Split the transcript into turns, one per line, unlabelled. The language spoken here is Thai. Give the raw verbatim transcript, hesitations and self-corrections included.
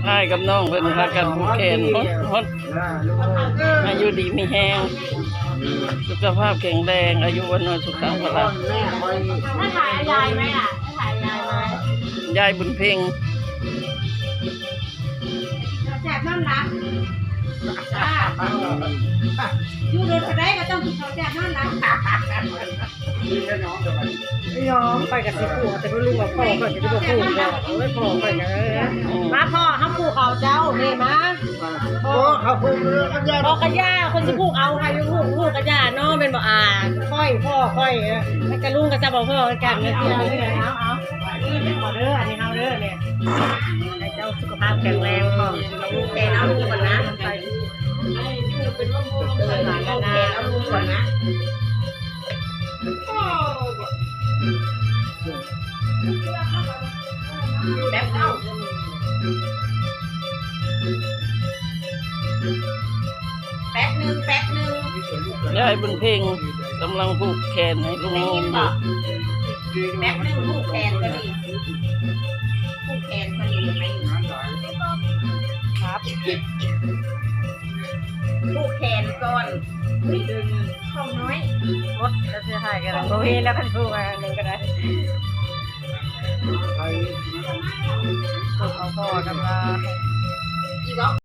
อ้ายกับน้องเพิ่นพากันผูกแขนฮดฮดอายุดีมีแห้งสุขภาพแข็งแรงอายุวันนสุขังพลัง
ถ้าถ่ายยายไหมล่ะถ้าถ่ายยายไหม
ยายบุญเพ็ง
แจกน้ำหนักจ้าอยู่โดนอะไรก็ต้องเขาแจกน้ำหนัก
ยอมไปกับสิปู่แต่ก็รู้ว่าพ่อเปิดจะบอกปู่ก็ไม่พ่อเปิดกันมาพ่อห้ามปู่เขาเจ้าเนี่ยมาพ่อเขาปู่พ่อกระยาคนสิปู่เอาใครปู่ปู่กระยาน้องเป็นบ่อ่าค่อยพ่อค่อยแล้วกระลุงกระจับบอกพ่อกันเนี่ยที่เราเนี่ยเอาเอานี่ขอเด้ออันนี้เอาเด้อเนี่ยให้เจ้าสุขภาพแข็งแรงพ่อลูกแกเอาลูกก่อนนะไปเป็นว่ามูลหลานนะเอาลูกก่อนนะแป๊บเอาแป๊บหนึ่งแป๊บหนึ่ง
ยายบุญเพ็งกำลังผูกแขนให้ลุง
ได้
ง
ยิ
ง
น
อ
ป่ะ
ยู่
แป๊บหนึ่งผูกแขนก็ดีผูกแขนก็ดีไหมครับผูกแขนก่อนดึงเข้าน้อยมดก็จะหายกันแล้วโอเคแล้วท่านผูกอันหนึ่งก็ได้ผูกเอาพ่อทำลาย